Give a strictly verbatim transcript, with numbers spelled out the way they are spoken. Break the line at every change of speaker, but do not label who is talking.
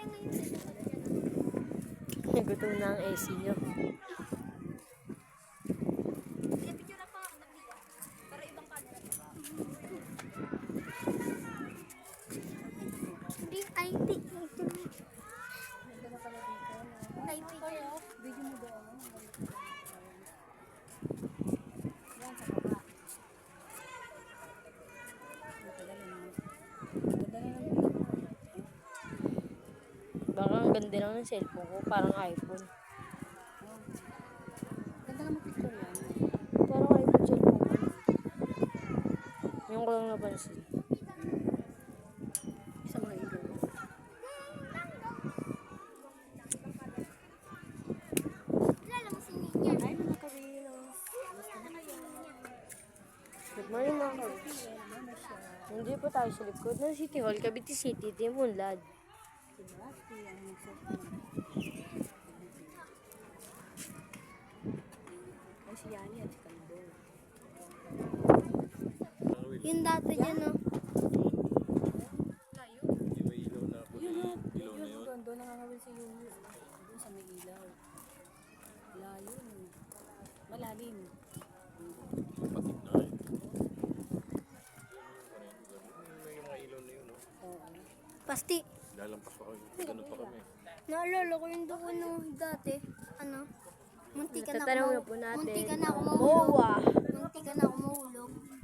tayo ngayon.
Nagutom na ang A C nyo.
Picture na pa ako nagdiya. Para ibang camera. Hindi, I think. I think.
Video mo doon. Yan sa baba. Matagalin mo. Madala lang dito.
Baka ang ganda lang ng cellphone ko, parang iPhone.
Ganda naman picture yan.
Parang iPhone cellphone ko. Yung ko lang napansin.
Sa mga ilaw.
Kilala mo si Ninya.
Ay, mga ka-reels.
Good morning mga kabits. Hindi po tayo sa likod ng City Hall, Cavite City, Timunlad.
Sinwasti ang nagsasabi. Ay, si Yani at si Kandor.
Yung dati dyan, no?
Yung may ilaw na puti.
Yun o.
Ilaw na yun.
Doon, doon nakakawin si Yuyu. Doon sa may ilaw. Layo. Malalim.
Patik na eh. May mga ilaw na yun, no?
Oo.
Pasti.
Lalampas pa kami. Ganun pa kami.
Naalala ko yung doon no, dati. Ano? Munti ka na
Tatanong
ako
na po natin.
Munti ka na ako
ang
mahulog.
M O A.
Munti ka na ako mahulog.